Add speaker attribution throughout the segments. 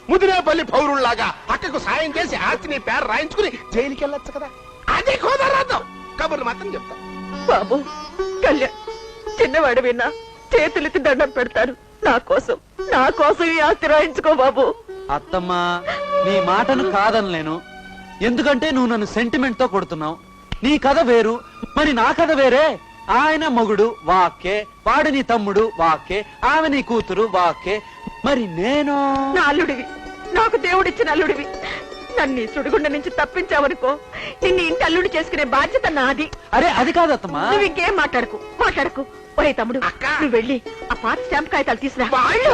Speaker 1: ముదినేపల్లి పౌరుల్లాగా అక్కకు సాయం చేసి ఆస్తి నీ పేరు రాయించుకుని జైలుకి వెళ్ళొచ్చు కదా. అది కుదరదు. కబుర్లు మాత్రం చెప్తా.
Speaker 2: బాబు కళ్యాణ్ చిన్నవాడు విన్నా చేతులెత్తి దండం పెడతారు. నా కోసం ఈ ఆస్తి రాయించుకో బాబు.
Speaker 3: అత్తమ్మా నీ మాటను కాదనలేను, ఎందుకంటే నువ్వు నన్ను సెంటిమెంట్ తో కొడుతున్నావు. నీ కథ వేరు, మరి నా కథ వేరే. ఆయన మొగుడు వాక్కే, వాడు నీ తమ్ముడు వాక్కే, ఆమె నీ కూతురు వాక్కే, మరి నేను
Speaker 2: నా అల్లుడివి, నాకు దేవుడిచ్చిన అల్లుడివి. నన్ను ఈ సుడిగుండ నుంచి తప్పించావనుకో, నిన్ను ఇంటి అల్లుడు చేసుకునే బాధ్యత నాది.
Speaker 3: అరే అది కాదత్తమ్మా.
Speaker 2: నువ్వు ఇంకేం మాట్లాడకు. ఒరే తమ్ముడు, నువ్వు వెళ్ళి ఆ పాత స్టాంప్ కాగితాలు తీసురా.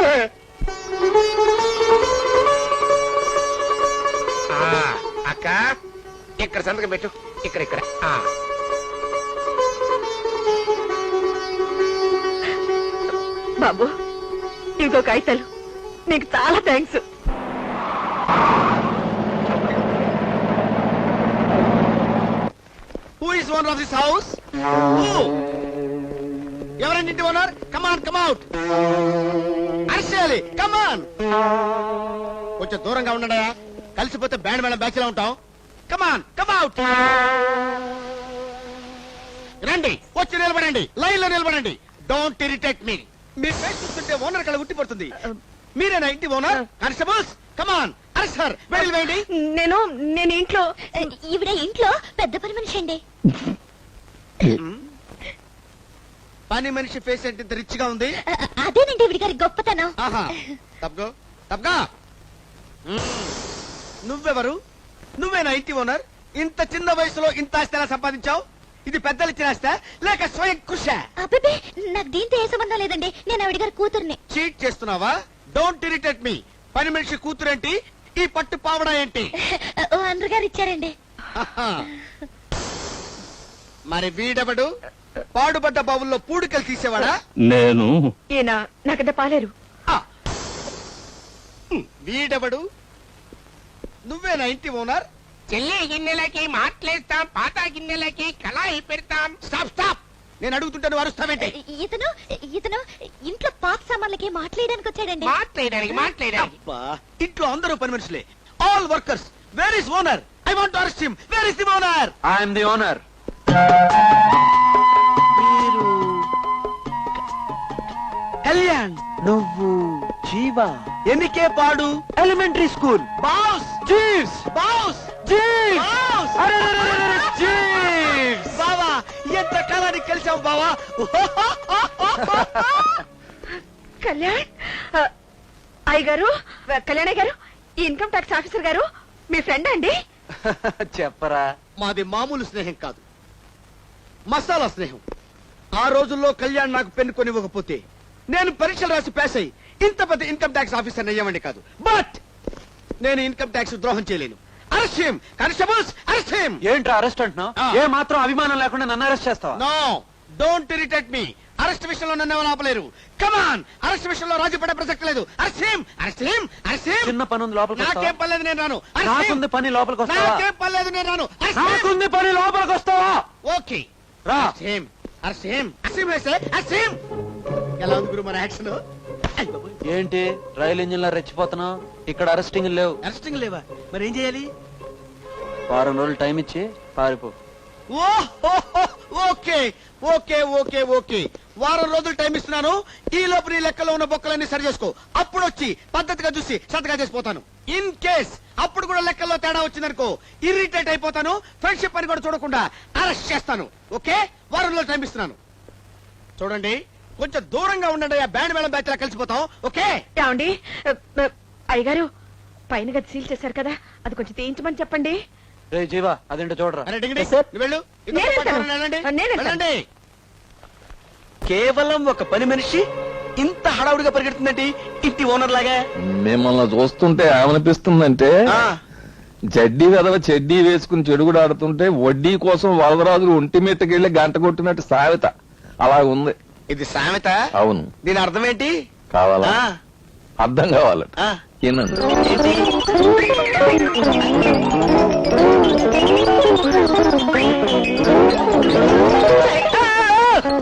Speaker 1: అక్క ఇక్కడ సంతకం పెట్టు. ఇక్కడ
Speaker 2: బాబు ఇంకో కాగితాలు. నీకు చాలా thanks.
Speaker 4: Who is owner of this house? Who? ఎవరండి ఇంటి owner? Come on, come out. Arshali, come on. కొంచెం దూరంగా ఉండడా, కలిసిపోతే బ్యాండ్ మేళం బ్యాచ్ లా ఉంటాం. Come on, come out. రండి, వచ్చి నిలబడండి, లైన్ లో నిలబడండి. Don't irritate me. మీ ఫేస్ చూస్తుంటే ఓనర్ కళ ఉట్టిపడుతుంది. మీరేనా ఇంటి owner? Constables, come on, arrest sir. వెళ్ళి వేయండి.
Speaker 2: నేను ఇంట్లో.
Speaker 5: ఈవిడ ఇంట్లో పెద్ద పని మనిషి అండి.
Speaker 4: పని మనిషి ఫేస్ అంటే ఇంత రిచ్ గా ఉంది.
Speaker 5: అదేనండి ఈవిడ గారి గొప్పతనం.
Speaker 4: తప్పగా నువ్వెవరు? నువ్వేనా ఇంటి ఓనర్? ఇంత చిన్న వయసులో ఇంత ఆస్తి ఎలా సంపాదించావు? ఇది పెద్దలు ఇచ్చిన ఆస్తా లేక స్వయం కృషి?
Speaker 5: అబ్బే నాకు దీంతో ఏ సంబంధం లేదండి, నేను ఆవిడ గారి కూతుర్ని.
Speaker 4: చీట్ చేస్తున్నావా? Don't irritate me. పని మనిషి కూతురేంటి, ఈ పట్టు పావడా ఏంటి?
Speaker 5: అందరు గారు ఇచ్చారండి.
Speaker 4: మరి వీడెవడు? పాడుబడ్డ బావుల్లో పూడికలు తీసేవాడా?
Speaker 1: నేను.
Speaker 2: ఈయన నాకంటే పాలేరు.
Speaker 4: వీడెవడు? నువ్వేనా ఇంటి ఓనర్?
Speaker 1: చెల్లి గిన్నెలకి మాట్లేస్తాం, పాత గిన్నెలకి కళాయి పెడతాం.
Speaker 4: Stop stop. నేను అడుగుతుంటే నువ్వు అరుస్తావేంటి?
Speaker 5: ఇతను ఇంట్లో పాత సామాన్లకి మాట్లాడడానికి వచ్చాడండి.
Speaker 1: మాట్లాడడానికి
Speaker 4: ఇంట్లో అందరూ పని మనుషులే, all workers. Where is owner? I want to arrest him. Where is the owner?
Speaker 3: I'm the owner.
Speaker 4: Kalyan,
Speaker 3: నువ్వు జీవా.
Speaker 4: ఎన్నికే పాడు?
Speaker 3: Elementary school.
Speaker 4: Boss
Speaker 3: Jeeves.
Speaker 4: Boss
Speaker 3: Jeeves.
Speaker 4: Boss.
Speaker 3: Jeeves.
Speaker 4: బావా, ఎంత కాలానికి కలిసావు బావా.
Speaker 2: కళ్యాణ్ అయ్యగారు, కళ్యాణ్ గారు, ఈ ఇన్కమ్ ట్యాక్స్ ఆఫీసర్ గారు మీ ఫ్రెండ్ అండి?
Speaker 3: చెప్పరా.
Speaker 4: మాది మామూలు స్నేహం కాదు, మసాలా స్నేహం. ఆ రోజుల్లో కళ్యాణ్ నాకు పెన్ను కొనివ్వకపోతే నేను పరీక్షలు రాసి పాస్ అయ్యి ఇంత పెద్ద ఇన్కమ్ ట్యాక్స్ ఆఫీసర్ అయ్యామండి కాదు. బట్ నేను ఇన్కమ్ ట్యాక్స్ ద్రోహం చేయలేను. Arrest him. Constables, arrest him.
Speaker 3: ఏంట్రా అరెస్ట్ అంటున్నావు? ఏ మాత్రం అభిమానం లేకుండా నన్ను అరెస్ట్ చేస్తావా?
Speaker 4: No, don't irritate me. Arrest విషయంలో నన్ను ఎవరు ఆపలేరు. కమాన్, అరెస్ట్ విషయంలో రాజీ పడే ప్రసక్తి లేదు. Arrest him, arrest him, arrest him.
Speaker 3: చిన్న పని ఉంది, లోపలికి వస్తావా?
Speaker 4: నాకేం పర్లేదు, నేను రాను.
Speaker 3: నాకుంది పని, లోపలికి వస్తావా?
Speaker 4: నాకేం పర్లేదు, నేను రాను.
Speaker 3: నాకుంది పని, లోపలికి వస్తావా?
Speaker 4: ఓకే
Speaker 3: రా.
Speaker 4: Arrest him, arrest him, arrest him, arrest him. ఎలా ఉంది గురు మన యాక్షన్?
Speaker 3: ఏంటి రైలు ఇంజిన్ లా రెచ్చిపోతున్నావు? ఇక్కడ అరెస్టింగ్ లేవు.
Speaker 4: అరెస్టింగ్ లేవా? మరి ఏం చేయాలి?
Speaker 3: వారం రోజులు టైం ఇచ్చి పారిపో.
Speaker 4: ఓకే ఓకే ఓకే ఓకే, వారం రోజులు టైం ఇస్తున్నాను. ఈ లోపు నీ లెక్కలో ఉన్న బొక్కలన్నీ సరి చేసుకో. అప్పుడు వచ్చి పద్ధతిగా చూసి సంతగా చేసిపోతాను. ఇన్ కేస్ అప్పుడు కూడా లెక్కల్లో తేడా వచ్చిందనుకో, ఇరిటేట్ అయిపోతాను. ఫ్రెండ్షిప్ అని కూడా చూడకుండా అరెస్ట్ చేస్తాను. ఓకే, వారం రోజులు టైం ఇస్తున్నాను. చూడండి, కొంచెం దూరంగా ఉండండి. ఆ బ్యాండ్ మేళం బ్యాచ్ లా కలిసిపోతాం. ఓకే?
Speaker 2: ఏమండి అయ్యగారు, పైన గది సీల్ చేశారు కదా, అది కొంచెం తీయించమని చెప్పండి.
Speaker 3: రే జీవా, అదేంటో చూడరా.
Speaker 4: అరే డింగిడి,
Speaker 2: సార్.
Speaker 4: నువ్వు వెళ్ళు.
Speaker 2: నేను వెళ్తాను. నేను వెళ్తాను.
Speaker 4: వెళ్ళండి. కేవలం ఒక పని మనిషి ఇంత హడావుడిగా పరిగెడుతుందండి ఇంటి ఓనర్ లాగా.
Speaker 6: మిమ్మల్ని చూస్తుంటే ఏమనిపిస్తుందంటే, జడ్డీ వెదవ చెడ్డీ వేసుకుని చెడుగుడు ఆడుతుంటే వడ్డీ కోసం వరదరాజులు ఒంటి మీదకెళ్లి గంట కొట్టినట్టు సామెత అలా ఉంది.
Speaker 4: ఇది సామెత?
Speaker 6: అవును.
Speaker 4: దీని అర్థం ఏంటి?
Speaker 6: కావాలా? అర్థం కావాలట. ఏనండి?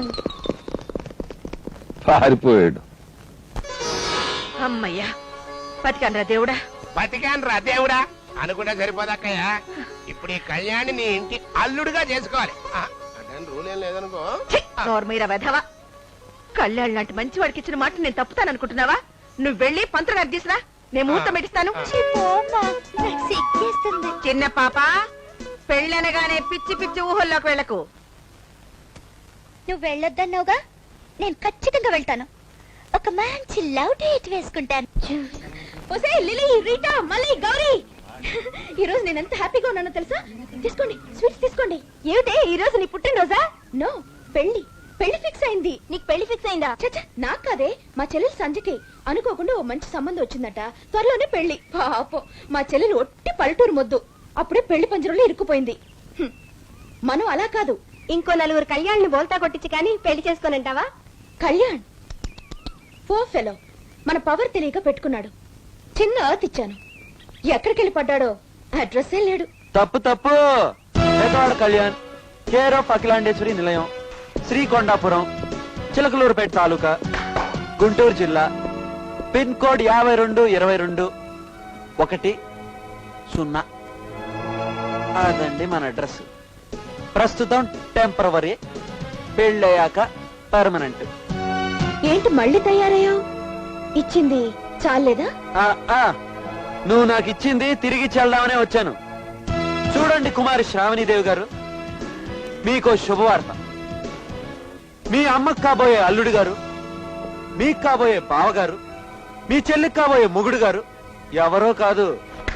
Speaker 6: పారిపోయాడు.
Speaker 2: అమ్మయ్యా, బతికానరా దేవుడా.
Speaker 1: బతికాను రా దేవుడా అనుకుంటే సరిపోదక్కయ్య. ఇప్పుడు ఈ కళ్యాణి నీ ఇంటి అల్లుడుగా చేసుకోవాలి. అంటే రూల్ ఏం లేదనుకో.
Speaker 2: నోర్మీరా వెధవా. కళ్యాణ్ లాంటి మంచి వాడికి ఇచ్చిన మాట నేను తప్పుతాననుకుంటున్నావా? నువ్వు వెళ్ళి పంతులు గారు తీసురా, నేను ముహూర్తం పెట్టిస్తాను.
Speaker 5: ఛీ, పోమ్మా, నాకు సిగ్గేస్తుంది.
Speaker 2: చిన్న పాప, పెళ్ళనగానే పిచ్చి పిచ్చి ఊహల్లోకి వెళ్ళకు.
Speaker 5: నువ్వు వెళ్ళొద్దన్నావుగా, నేను ఖచ్చితంగా వెళ్తాను. ఒక మంచి లవ్ డేట్ వేసుకుంటాను. ఒసే లిలీ, రీటా, మళ్ళీ గౌరీ, ఈ రోజు నేను ఎంత హ్యాపీగా ఉన్నానో తెలుసా? తీసుకోండి, స్వీట్స్ తీసుకోండి. ఏమిటే ఈ రోజు నీ పుట్టినరోజా? నో, పెళ్లి ఫిక్స్ అయింది. నీకు పెళ్లి ఫిక్స్ అయిందా? చచ్చా, నాకు కాదే, మా చెల్లెలు సంజకి అనుకోకుండా ఓ మంచి సంబంధం వచ్చిందట. త్వరలోనే పెళ్లి. పాపం మా చెల్లెలు ఒట్టి పల్లెటూరు మొద్దు, అప్పుడే పెళ్లి పంజరంలో ఇరుక్కుపోయింది. మనం అలా కాదు, ఇంకో నలుగురు కళ్యాణ్ని బోల్తా కొట్టించి కానీ పెళ్లి చేసుకోనంటావా? కళ్యాణ్ పో ఫెలో, మన పవర్ తెలియక పెట్టుకున్నాడు. చిన్న అర్త్ ఇచ్చాను, ఎక్కడికి వెళ్ళి పడ్డాడో అడ్రస్సే లేడు.
Speaker 3: తప్పు తప్పు. పేదవాడ కళ్యాణ్, కేర్ ఆఫ్ అఖిలాండేశ్వరి నిలయం, శ్రీకొండాపురం, చిలకలూరుపేట తాలూకా, గుంటూరు జిల్లా, పిన్ కోడ్ 522210. అదండి మన అడ్రస్. ప్రస్తుతం టెంపరవరీ, పెళ్ళయ్యాక పర్మనెంట్.
Speaker 5: ఏంటి మళ్ళీ తయారయ్యావు? ఇచ్చింది చాలేదా?
Speaker 3: నువ్వు నాకు ఇచ్చింది తిరిగి చెల్దామనే వచ్చాను. చూడండి కుమారి శ్రావణీదేవి గారు, మీకో శుభవార్త. మీ అమ్మకు కాబోయే అల్లుడు గారు, మీకు కాబోయే బావగారు, మీ చెల్లికి కాబోయే మొగుడు గారు ఎవరో కాదు,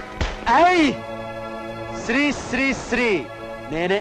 Speaker 3: శ్రీ శ్రీ శ్రీ నేనే.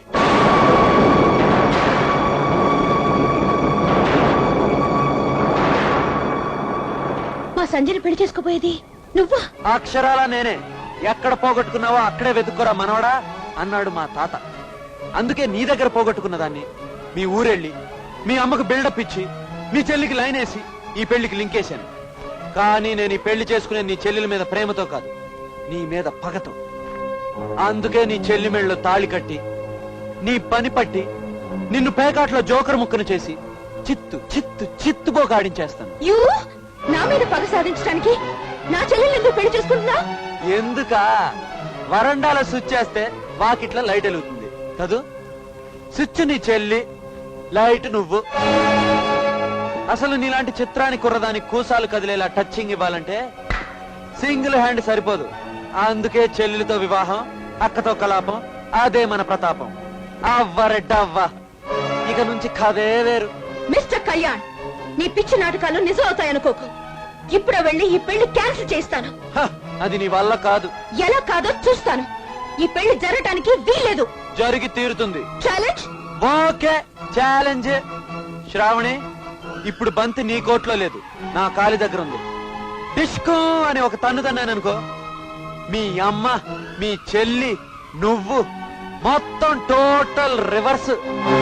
Speaker 5: మా సంజయ్ పెళ్లి చేసుకోపోయేది నువ్వా?
Speaker 3: అక్షరాలా నేనే. ఎక్కడ పోగొట్టుకున్నావో అక్కడే వెతుక్కోరా మనవడా అన్నాడు మా తాత. అందుకే నీ దగ్గర పోగొట్టుకున్న దాన్ని మీ ఊరెళ్ళి మీ అమ్మకు బిల్డప్ ఇచ్చి మీ చెల్లికి లైన్ వేసి ఈ పెళ్లికి లింకేశాను. కానీ నేను ఈ పెళ్లి చేసుకునే నీ చెల్లెల మీద ప్రేమతో కాదు, నీ మీద పగతో. అందుకే నీ చెల్లి మెళ్ళలో తాళి కట్టి, నీ పని పట్టి, నిన్ను పేకాట్లో జోకర్ ముక్కను చేసి చిత్తు చిత్తు చిత్తుపోక ఆడించేస్తాను.
Speaker 5: నా మీద పగ సాధించడానికి నా చెల్లెలు ఎందుకు పెళ్లి చేసుకుంటున్నా?
Speaker 3: ఎందుకా? వరండాలో స్విచ్ చేస్తే వాకిట్ల లైట్ వెలుగుతుంది కదూ. స్విచ్ నీ చెల్లి, లైట్ నువ్వు. అసలు నీలాంటి చిత్రాన్ని కుర్రదానికి కూసాలు కదిలేలా టచింగ్ ఇవ్వాలంటే సింగిల్ హ్యాండ్ సరిపోదు. అందుకే చెల్లెలతో వివాహం, అక్కతో కలాపం, అదే మన ప్రతాపం. అవ్వరెడ్డవ్వ, ఇక నుంచి కథే వేరు.
Speaker 5: మిస్టర్ కళ్యాణ్, నీ పిచ్చి నాటకాలు నిజం అవుతాయనుకోకు. ఇప్పుడే వెళ్ళి ఈ పెళ్లి క్యాన్సిల్ చేస్తాను.
Speaker 3: అది నీ వల్ల కాదు.
Speaker 5: ఎలా కాదో చూస్తాను. ఈ పెళ్లి జరగటానికి వీల్లేదు.
Speaker 3: జరిగి తీరుతుంది.
Speaker 5: ఛాలెంజ్?
Speaker 3: Okay, challenge. శ్రావణి, ఇప్పుడు బంతి నీ కోట్లో లేదు, నా కాలి దగ్గర ఉంది. డిస్కో అని ఒక తన్ను తన్నాననుకో, మీ అమ్మ, మీ చెల్లి, నువ్వు మొత్తం టోటల్ రివర్స్.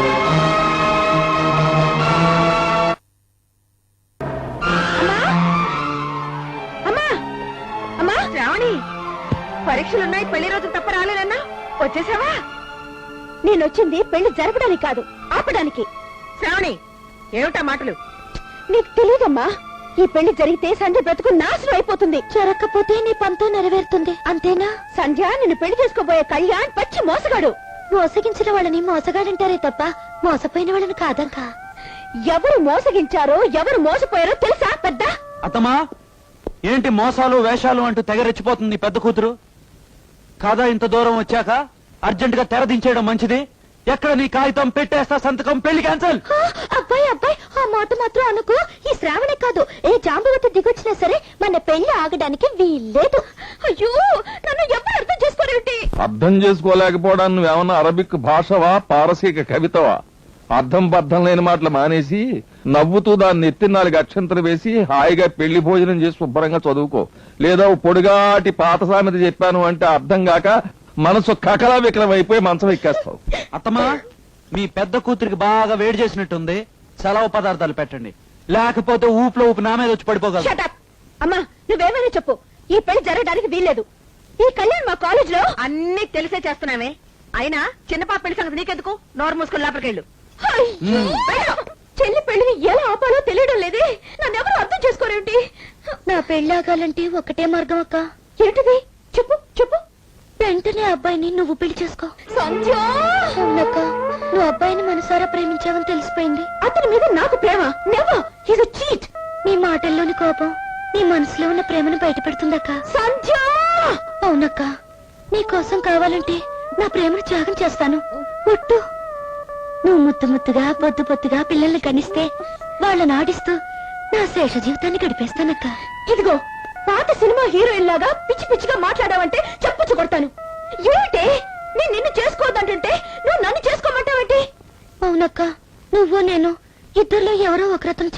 Speaker 2: శ్రావణి, పరీక్షలున్నాయి, పెళ్లి రోజు తప్ప రాలేదన్నా, వచ్చేసావా?
Speaker 5: నేనొచ్చింది పెళ్లి జరపడానికి కాదు, ఆపడానికి.
Speaker 2: శ్రావణి, ఏమిటా మాటలు?
Speaker 5: నీకు తెలియదమ్మా, ఈ పెళ్లి జరిగితే సంధ్య బ్రతుకు నాశనం అయిపోతుంది. జరగకపోతే నీ పంతో నెరవేరుతుంది, అంతేనా? సంధ్య నిన్ను పెళ్లి చేసుకోబోయే కళ్యాణ్ పచ్చి మోసగాడు. మోసగించిన వాళ్ళని మోసగాడంటారే తప్ప మోసపోయిన వాళ్ళని కాదంకా. ఎవరు మోసగించారో ఎవరు మోసపోయారో తెలుసా పెద్ద?
Speaker 3: అత్తమా, ఏంటి మోసాలు వేషాలు అంటూ తెగరెచ్చిపోతుంది నీ పెద్ద కూతురు? కాదా ఇంత దూరం వచ్చాక అర్జెంట్ గా తెరదించేయడం మంచిది. ఎక్కడ నీ కాగితం పెట్టేస్తా సంతకం, పెళ్లి క్యాన్సల్.
Speaker 5: అబ్బాయి అబ్బాయి, ఆ మాట మాత్రం అనుకో. ఈ శ్రావణి కాదు, ఏ జాంబవతి దిగొచ్చినా సరే మన పెళ్లి ఆగడానికి వీల్లేదు. అయ్యో, నన్ను ఎవరు అర్థం చేసుకోరేమిటి?
Speaker 6: అర్థం చేసుకోలేకపోవడానికి నువ్వేమన్నా అరబిక్ భాషవా, పారసీక కవితవా? అర్థం బద్ధం లేని మాటలు మానేసి నవ్వుతూ దాన్ని ఎత్తి 4 అక్షంతలు వేసి హాయిగా పెళ్లి భోజనం చేసి శుభ్రంగా చదువుకో. లేదా పొడిగాటి పాత సామెత చెప్పాను అంటే అర్థం కాక మనసు కకలా వికలం అయిపోయి మంచం ఎక్కేస్తావు.
Speaker 3: అత్తమా, మీ పెద్ద కూతురికి బాగా వేడి చేసినట్టుంది, సెలవు పదార్థాలు పెట్టండి, లేకపోతే ఊపులో ఊపి నా మీద వచ్చి పడిపోగలదు.
Speaker 5: Shut up. అమ్మా, నువ్వేమైనా చెప్పు, ఈ పెళ్లి జరగడానికి వీల్లేదు. ఈ కళ్యాణ్ మా కాలేజ్ లో
Speaker 2: అన్ని తెలిసే చేస్తున్నామే. అయినా చిన్న పాప పెళ్లి సంగతి నీకెందుకు? నోరు మూసుకుని లోపలికెళ్ళు. చెల్లి పెళ్లిని ఎలా ఆపాలో తెలియడం లేదే. నన్నెవరు అర్థం చేసుకోరేంటి?
Speaker 5: నా పెళ్ళాగాలంటే ఒకటే మార్గం అక్క.
Speaker 2: ఏంటిది? చెప్పు చెప్పు.
Speaker 5: వెంటనే అబ్బాయిని నువ్వు పెళ్లి చేసుకో.
Speaker 2: సంధ్య,
Speaker 5: అవునక్క, నువ్వు అబ్బాయిని మనసారా ప్రేమించావని తెలిసిపోయింది.
Speaker 2: అతని మీద నాకు ప్రేమ నెవర్. He's a cheat.
Speaker 5: నీ మాటల్లోని కోపం నీ మనసులో ఉన్న ప్రేమను బయటపెడుతుందక్క.
Speaker 2: సంధ్య,
Speaker 5: అవునక్క, నీ కోసం కావాలంటే నా ప్రేమను త్యాగం చేస్తాను. ఒట్టు. నువ్వు ముద్దు ముద్దుగా పొద్దు పొద్దుగా పిల్లల్ని కనిస్తే వాళ్ళని ఆడిస్తూ నా శేష జీవితాన్ని గడిపేస్తానక్క.
Speaker 2: ఇదిగో పాత సినిమా హీరోయిన్ లాగా పిచ్చి పిచ్చిగా మాట్లాడావంటే చెప్పుచ్చు కొడతాను. ఏమిటి నేను నిన్ను చేసుకోవద్దంటుంటే నువ్వు నన్ను చేసుకోమంటావేంటి?
Speaker 5: అవునక్క, నువ్వు నేను ఇద్దరిలో ఎవరో ఒకరతను